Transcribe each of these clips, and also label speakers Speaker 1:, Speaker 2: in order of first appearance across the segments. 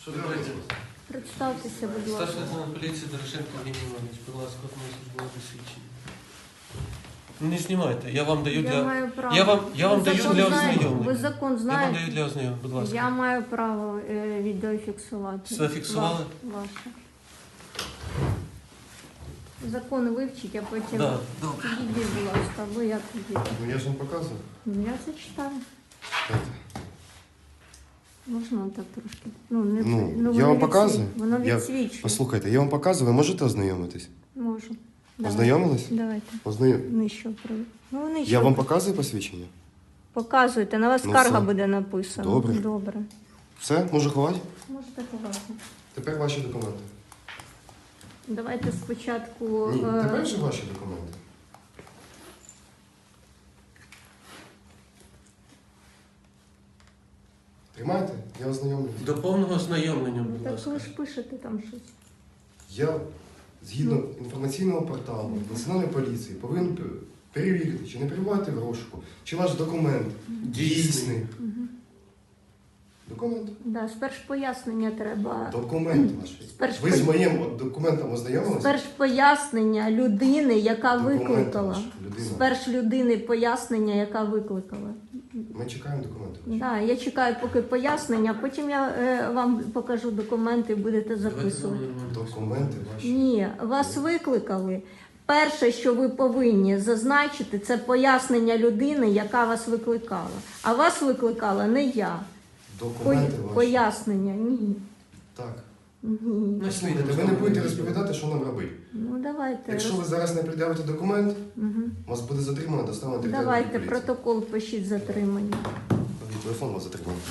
Speaker 1: Що ви робите?
Speaker 2: Представтеся, будь ласка.
Speaker 1: Старший лейтенант поліції Дорошенко Євгеній Іванович, будь ласка, от моє службове посвідчення. Ну не знімайте, я вам даю
Speaker 2: Я
Speaker 1: для...
Speaker 2: маю право.
Speaker 1: Я вам
Speaker 2: Ви
Speaker 1: даю
Speaker 2: закон
Speaker 1: для
Speaker 2: знаєте?
Speaker 1: ознайомлення.
Speaker 2: Ви закон
Speaker 1: Я вам
Speaker 2: знаєте?
Speaker 1: даю для ознайомлення, будь ласка.
Speaker 2: Я маю право відеофіксувати.
Speaker 1: Все фіксували?
Speaker 2: Ваше. Закон вивчіть, а потім
Speaker 1: Да, добре.
Speaker 2: підійдіть, будь ласка, або я підійду.
Speaker 3: Ну я ж вам показую.
Speaker 2: Я це читаю.
Speaker 3: Знаєте.
Speaker 2: Можна так трошки? Ну, не,
Speaker 3: Ну, я
Speaker 2: воно
Speaker 3: вам показую.
Speaker 2: Воно
Speaker 3: Я-
Speaker 2: відсвічує.
Speaker 3: Послухайте, я вам показую, ви можете ознайомитись?
Speaker 2: Можу. Давай.
Speaker 3: Ознайомились?
Speaker 2: Давайте. Нижче. Ну, нижче.
Speaker 3: Я вам показую посвідчення?
Speaker 2: Показуйте, на вас
Speaker 3: Ну,
Speaker 2: скарга
Speaker 3: все.
Speaker 2: буде написана.
Speaker 3: Добре.
Speaker 2: Добре.
Speaker 3: Все, можу ховати?
Speaker 2: Можете ховати.
Speaker 3: Тепер ваші документи.
Speaker 2: Давайте спочатку...
Speaker 3: Ні, тепер вже ваші документи. Тримайте, я ознайомлюсь.
Speaker 1: До повного ознайомлення,
Speaker 2: Ну,
Speaker 1: будь
Speaker 2: так
Speaker 1: ласка.
Speaker 2: ви ж пишете там щось.
Speaker 3: Я, згідно інформаційного порталу Національної поліції, повинен перевірити, чи не перебуваєте в розшуку, чи ваш документ дійсний. Документ.
Speaker 2: Да, спершу пояснення треба.
Speaker 3: Документ ваш.
Speaker 2: Спершу
Speaker 3: Ви з моїм документом ознайомилися?
Speaker 2: Спершу пояснення людини, яка
Speaker 3: Документ
Speaker 2: викликала.
Speaker 3: ваш, людина.
Speaker 2: Спершу людини пояснення, яка викликала.
Speaker 3: Ми чекаємо документи.
Speaker 2: Да, я чекаю поки пояснення, потім я вам покажу документи, будете
Speaker 1: Давайте
Speaker 2: записувати.
Speaker 1: нормально.
Speaker 3: Документи ваші.
Speaker 2: Ні, вас викликали. Перше, що ви повинні зазначити, це пояснення людини, яка вас викликала. А вас викликала не я.
Speaker 3: Документи ваші.
Speaker 2: Пояснення, ні.
Speaker 3: Так.
Speaker 2: Ні.
Speaker 1: Ну,
Speaker 3: Слухайте, ви не будете розповідати, що нам робити.
Speaker 2: Ну давайте.
Speaker 3: Якщо ви зараз не пред'явите документ,
Speaker 2: Мгм.
Speaker 3: вас буде затримано, доставлено територіальну
Speaker 2: Давайте
Speaker 3: поліцію.
Speaker 2: протокол пишіть затримання.
Speaker 3: Телефон вас затримано.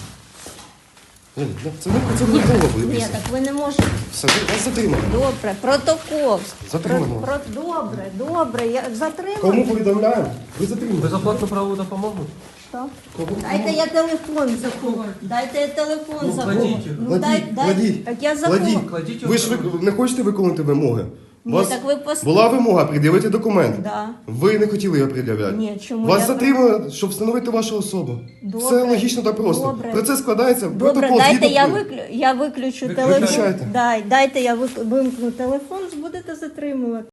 Speaker 3: Це не довго буде
Speaker 2: Ні,
Speaker 3: після.
Speaker 2: так ви не можете.
Speaker 3: Все, вас затримано.
Speaker 2: Добре, протокол.
Speaker 3: Затримано.
Speaker 2: Добре, я затримую.
Speaker 3: Кому повідомляємо? Ви затримані.
Speaker 1: Безоплатну правову допомогу?
Speaker 2: Що?
Speaker 3: Кому?
Speaker 2: Дайте я телефон забув. Дайте я телефон
Speaker 1: Ну,
Speaker 2: забув.
Speaker 1: кладіть його.
Speaker 2: Ну,
Speaker 3: Кладіть.
Speaker 2: Так я забув.
Speaker 3: Кладіть.
Speaker 1: Кладіть його
Speaker 3: Ви ж не хочете виконати вимоги? У
Speaker 2: Ні,
Speaker 3: вас
Speaker 2: так ви
Speaker 3: була вимога пред'явити документ.
Speaker 2: Да.
Speaker 3: Ви не хотіли його пред'являти.
Speaker 2: Ні, чому?
Speaker 3: Вас
Speaker 2: Я-
Speaker 3: затримали, щоб встановити вашу особу.
Speaker 2: Добре.
Speaker 3: Все логічно та просто.
Speaker 2: Добре.
Speaker 3: Про це складається
Speaker 2: Добре,
Speaker 3: протокол.
Speaker 2: дайте
Speaker 3: згідно-
Speaker 2: я виключу
Speaker 1: Виключайте.
Speaker 2: телефон. Дайте я вимкну телефон, будете затримувати.